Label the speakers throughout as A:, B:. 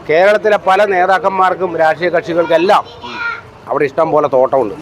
A: കേരളത്തിലെ പല നേതാക്കന്മാർക്കും രാഷ്ട്രീയ കക്ഷികൾക്കെല്ലാം അവിടെ ഇഷ്ടം പോലെ തോട്ടമുണ്ട്.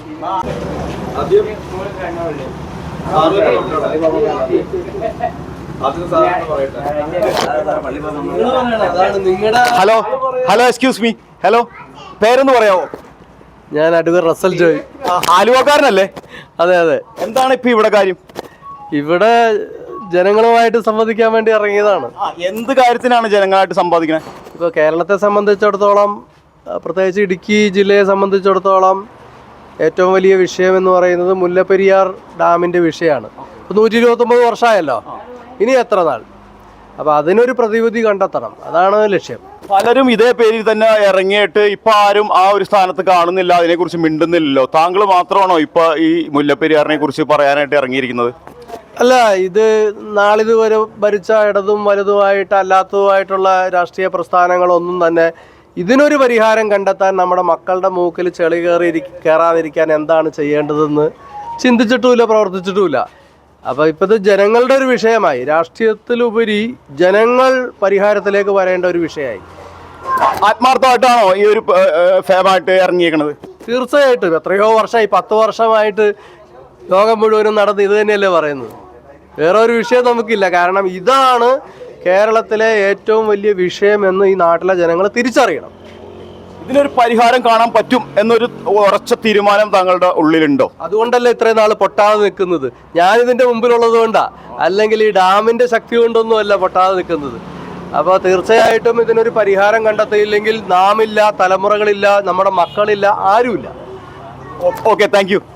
B: Hello hello excuse me, hello, പേരൊന്ന് പറയാമോ?
C: ഞാൻ അഡ്വക്കേറ്റ് റസൽ ജോയ്.
B: ആലുവക്കാരനല്ലേ?
C: അതെ അതെ.
B: എന്താണ് ഇപ്പൊ ഇവിടെ കാര്യം?
C: ഇവിടെ ജനങ്ങളുമായിട്ട് സംവദിക്കാൻ വേണ്ടി ഇറങ്ങിയതാണ്.
B: എന്ത് കാര്യത്തിനാണ് ജനങ്ങളായിട്ട് സംവാദിക്കുന്നത്?
C: ഇപ്പോൾ കേരളത്തെ സംബന്ധിച്ചിടത്തോളം, പ്രത്യേകിച്ച് ഇടുക്കി ജില്ലയെ സംബന്ധിച്ചിടത്തോളം ഏറ്റവും വലിയ വിഷയം എന്ന് പറയുന്നത് മുല്ലപ്പെരിയാർ ഡാമിൻ്റെ വിഷയമാണ്. ഇപ്പോൾ 129 വർഷമായല്ലോ, ഇനി എത്ര നാൾ? അപ്പോൾ അതിനൊരു പ്രതിവിധി കണ്ടെത്തണം, അതാണ് ലക്ഷ്യം.
B: പലരും ഇതേ പേരിൽ തന്നെ ഇറങ്ങിയിട്ട് ഇപ്പൊ ആരും ആ ഒരു സ്ഥാനത്ത് കാണുന്നില്ല, അതിനെക്കുറിച്ച് മിണ്ടുന്നില്ലല്ലോ. താങ്കൾ മാത്രമാണോ ഇപ്പൊ ഈ മുല്ലപ്പെരിയാറിനെ കുറിച്ച് പറയാനായിട്ട് ഇറങ്ങിയിരിക്കുന്നത്?
C: അല്ല, ഇത് നാളിതുവരെ ഭരിച്ച ഇടതും വലുതുമായിട്ട് അല്ലാത്തതുമായിട്ടുള്ള രാഷ്ട്രീയ പ്രസ്ഥാനങ്ങളൊന്നും തന്നെ ഇതിനൊരു പരിഹാരം കണ്ടെത്താൻ, നമ്മുടെ മക്കളുടെ മൂക്കിൽ ചെളി കയറാതിരിക്കാൻ എന്താണ് ചെയ്യേണ്ടതെന്ന് ചിന്തിച്ചിട്ടുമില്ല, പ്രവർത്തിച്ചിട്ടുമില്ല. അപ്പോൾ ഇപ്പോൾ ഇത് ജനങ്ങളുടെ ഒരു വിഷയമായി, രാഷ്ട്രീയത്തിലുപരി ജനങ്ങൾ പരിഹാരത്തിലേക്ക് വരേണ്ട ഒരു വിഷയമായി.
B: ആത്മാർത്ഥമായിട്ടാണോ ഈ ഒരു ഫേമായിട്ട് ഇറങ്ങിയേക്കണത്?
C: തീർച്ചയായിട്ടും. എത്രയോ വർഷമായി, 10 വർഷമായിട്ട് ലോകം മുഴുവനും നടന്ന് ഇത് തന്നെയല്ലേ പറയുന്നത്. വേറെ ഒരു വിഷയം നമുക്കില്ല. കാരണം ഇതാണ് കേരളത്തിലെ ഏറ്റവും വലിയ വിഷയമെന്ന് ഈ നാട്ടിലെ ജനങ്ങൾ തിരിച്ചറിയണം.
B: ഇതിനൊരു പരിഹാരം കാണാൻ പറ്റും എന്നൊരു ഉറച്ച തീരുമാനം താങ്കളുടെ ഉള്ളിലുണ്ടോ?
C: അതുകൊണ്ടല്ലേ ഇത്രയും നാൾ പൊട്ടാതെ നിൽക്കുന്നത്. ഞാനിതിൻ്റെ മുമ്പിലുള്ളത് കൊണ്ടാണ്, അല്ലെങ്കിൽ ഈ ഡാമിൻ്റെ ശക്തി കൊണ്ടൊന്നും അല്ല പൊട്ടാതെ നിൽക്കുന്നത്. അപ്പോൾ തീർച്ചയായിട്ടും ഇതിനൊരു പരിഹാരം കണ്ടെത്തിയില്ലെങ്കിൽ നാമില്ല, തലമുറകളില്ല, നമ്മുടെ മക്കളില്ല, ആരുമില്ല.
B: Okay, thank you.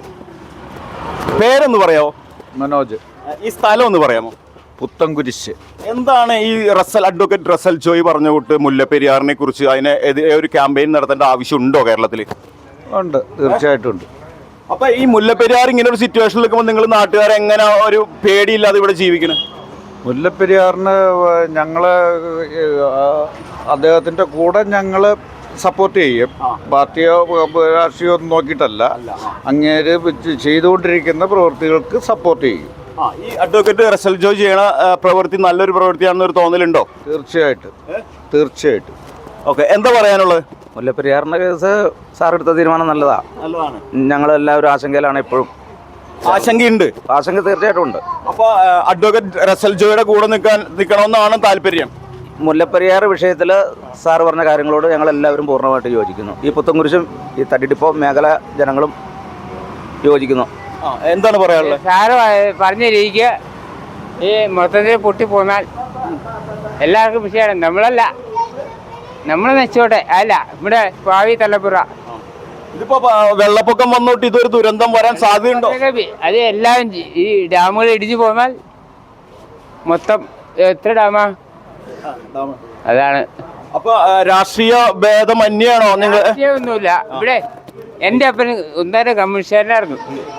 B: പേരൊന്ന് പറയാമോ?
D: മനോജ്.
B: ഈ സ്ഥലം ഒന്ന് പറയാമോ?
D: പുത്തൻകുരിശ്.
B: എന്താണ് ഈ അഡ്വക്കേറ്റ് റസൽ ജോയ് പറഞ്ഞ കൂട്ട് മുല്ലപ്പെരിയാറിനെ കുറിച്ച് അതിനെതിരെ ഒരു ക്യാമ്പയിൻ നടത്തേണ്ട ആവശ്യമുണ്ടോ കേരളത്തിൽ?
D: ഉണ്ട്, തീർച്ചയായിട്ടും ഉണ്ട്.
B: അപ്പൊ ഈ മുല്ലപ്പെരിയാർ ഇങ്ങനെ ഒരു സിറ്റുവേഷനിൽ നിൽക്കുമ്പോൾ നിങ്ങൾ നാട്ടുകാരെ എങ്ങനെ ഒരു പേടിയില്ലാതെ ഇവിടെ ജീവിക്കണം?
D: മുല്ലപ്പെരിയാറിന് ഞങ്ങൾ അദ്ദേഹത്തിൻ്റെ കൂടെ ഞങ്ങൾ സപ്പോർട്ട് ചെയ്യും. പാർട്ടിയോ രാഷ്ട്രീയോ ഒന്നും നോക്കിയിട്ടല്ല, അങ്ങേര് ചെയ്തുകൊണ്ടിരിക്കുന്ന പ്രവൃത്തികൾക്ക് സപ്പോർട്ട് ചെയ്യും.
B: ഈ അഡ്വക്കേറ്റ് റസൽ ജോയ് ചെയ്യണ പ്രവൃത്തി നല്ലൊരു പ്രവൃത്തിയാണെന്നൊരു തോന്നലുണ്ടോ?
D: തീർച്ചയായിട്ടും, തീർച്ചയായിട്ടും.
B: ഓക്കെ, എന്താ പറയാനുള്ളത്?
E: മുല്ലപ്പെരിയാറിൻ്റെ കേസ് സാർ എടുത്ത തീരുമാനം നല്ലതാണ്. ഞങ്ങളെല്ലാവരും ആശങ്കയിലാണ് ഇപ്പോഴും.
B: ആശങ്കയുണ്ട്?
E: ആശങ്ക തീർച്ചയായിട്ടും ഉണ്ട്.
B: അപ്പോൾ അഡ്വക്കേറ്റ് റസൽ ജോയുടെ കൂടെ നിൽക്കണമെന്നാണ് താല്പര്യം?
E: മുല്ലപ്പെരിയാർ വിഷയത്തിൽ സാർ പറഞ്ഞ കാര്യങ്ങളോട് ഞങ്ങളെല്ലാവരും പൂർണ്ണമായിട്ട് യോജിക്കുന്നു. ഈ പുത്തൻകുരിശും ഈ തടിഡിപ്പോ മേഖല ജനങ്ങളും യോജിക്കുന്നു.
B: എന്താണ് പറയാനുള്ളത്?
F: സാറ് പറഞ്ഞ രീതിക്ക് ഈ മൊത്തത്തിൽ പൊട്ടിപ്പോന്നാൽ എല്ലാവർക്കും വിഷയമാണ്. നമ്മളല്ല, നമ്മൾ നശിച്ചോട്ടെ, അല്ല ഇവിടെ ഭാവി തലമുറ.
B: ഇതിപ്പോ വെള്ളപ്പൊക്കം വന്നോട്ട് ഇതൊരു ദുരന്തം വരാൻ സാധ്യതയുണ്ടോ?
F: അത് എല്ലാവരും ഈ ഡാമുകൾ ഇടിച്ചു പോന്നാൽ മൊത്തം എത്ര ഡാമാ? അതാണ്.
B: അപ്പൊ രാഷ്ട്രീയ ഭേദമന്യാണോ നിങ്ങൾ?
F: ഒന്നുമില്ല. ഇവിടെ എൻ്റെ അപ്പന് ഒന്നര കമ്മ്യൂണിസ്റ്റുകാരനായിരുന്നു.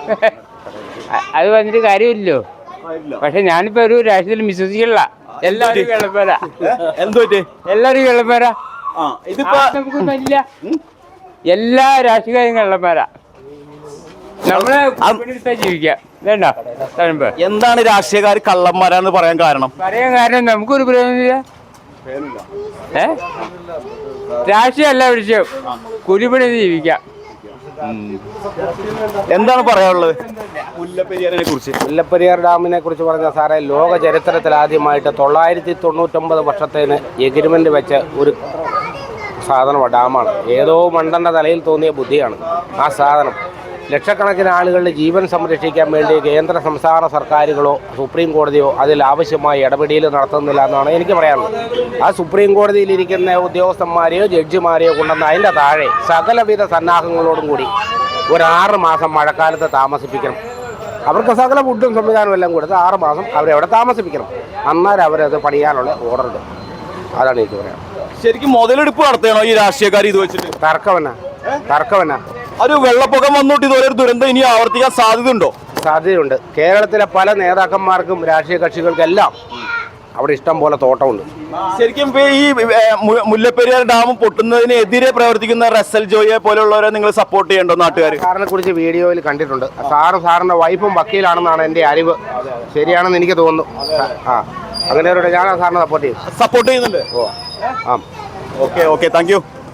F: അത് വന്നിട്ട് കാര്യമില്ലല്ലോ. പക്ഷെ ഞാനിപ്പോ ഒരു രാഷ്ട്രീയത്തിൽ വിശ്വസിക്കില്ല. എല്ലാവരും വെള്ളപ്പേരാ. എല്ലാവരും വെള്ളപ്പേരാ. നമുക്കൊന്നുമില്ല. എല്ലാ രാഷ്ട്രീയക്കാരും വെള്ളപ്പേരാ. നമ്മളെ ജീവിക്കാം. വേണ്ട.
B: എന്താണ് രാഷ്ട്രീയക്കാർ കള്ളന്മാരാന്ന് പറയാൻ കാരണം?
F: നമുക്കൊരു പ്രയോജനമില്ല. രാഷ്ട്രീയമല്ല വിഷയം, കുരുപണി ജീവിക്കാം.
B: എന്താണ് പറയാനുള്ളത് മുല്ലപ്പെരിയാറിനെ കുറിച്ച്?
A: മുല്ലപ്പെരിയാർ ഡാമിനെ കുറിച്ച് പറഞ്ഞ സാറേ, ലോക ചരിത്രത്തിൽ ആദ്യമായിട്ട് 999 വർഷത്തേന് എഗ്രിമെൻ്റ് വെച്ച ഒരു സാധനമാണ്, ഡാമാണ്. ഏതോ മണ്ടൻ്റെ തലയിൽ തോന്നിയ ബുദ്ധിയാണ് ആ സാധനം. ലക്ഷക്കണക്കിന് ആളുകളുടെ ജീവൻ സംരക്ഷിക്കാൻ വേണ്ടി കേന്ദ്ര സംസ്ഥാന സർക്കാരുകളോ സുപ്രീം കോടതിയോ അതിൽ ആവശ്യമായ ഇടപെടൽ നടത്തുന്നില്ല എന്നാണ് എനിക്ക് പറയാനുള്ളത്. ആ സുപ്രീം കോടതിയിലിരിക്കുന്ന ഉദ്യോഗസ്ഥന്മാരെയോ ജഡ്ജിമാരെയോ കൊണ്ടുവന്ന് അതിൻ്റെ താഴെ സകലവിധ സന്നാഹങ്ങളോടും കൂടി ഒരു 6 മാസം മഴക്കാലത്ത് താമസിപ്പിക്കണം. അവർക്ക് സകല ഫുഡും സംവിധാനവും എല്ലാം കൊടുത്ത് 6 മാസം അവരവിടെ താമസിപ്പിക്കണം. അന്നേരം അവരത് പണിയാനുള്ള ഓർഡർ ഇടും. അതാണ് എനിക്ക് പറയാം.
B: ശരിക്കും മുതലെടുപ്പ് നടത്തണോ ഈ രാഷ്ട്രീയക്കാർ ഇത് വെച്ചിട്ട്?
A: തർക്കമെന്നാ
B: ഒരു വെള്ളപ്പൊക്കം വന്നോട്ട് ഇതുപോലെ ഒരു ദുരന്തം ഇനി ആവർത്തിക്കാൻ സാധ്യതയുണ്ടോ?
A: സാധ്യതയുണ്ട്. കേരളത്തിലെ പല നേതാക്കന്മാർക്കും രാഷ്ട്രീയ കക്ഷികൾക്കെല്ലാം അവിടെ ഇഷ്ടം പോലെ തോട്ടമുണ്ട്.
B: ശരിക്കും ഈ മുല്ലപ്പെരിയാർ ഡാം പൊട്ടുന്നതിനെതിരെ പ്രവർത്തിക്കുന്ന റസൽ ജോയെ പോലുള്ളവരെ നിങ്ങൾ സപ്പോർട്ട് ചെയ്യണ്ടോ നാട്ടുകാർ?
A: സാറിനെ കുറിച്ച് വീഡിയോയിൽ കണ്ടിട്ടുണ്ട്. സാറിന്റെ വൈഫും വക്കീലാണെന്നാണ് എൻ്റെ അറിവ്. ശരിയാണെന്ന് എനിക്ക് തോന്നുന്നു. അങ്ങനെ ഞാൻ സാറിനെ സപ്പോർട്ട് ചെയ്യുന്നുണ്ട്.
B: സപ്പോർട്ട് ചെയ്യുന്നുണ്ട്.
A: ആ
B: ഓക്കെ താങ്ക് യു.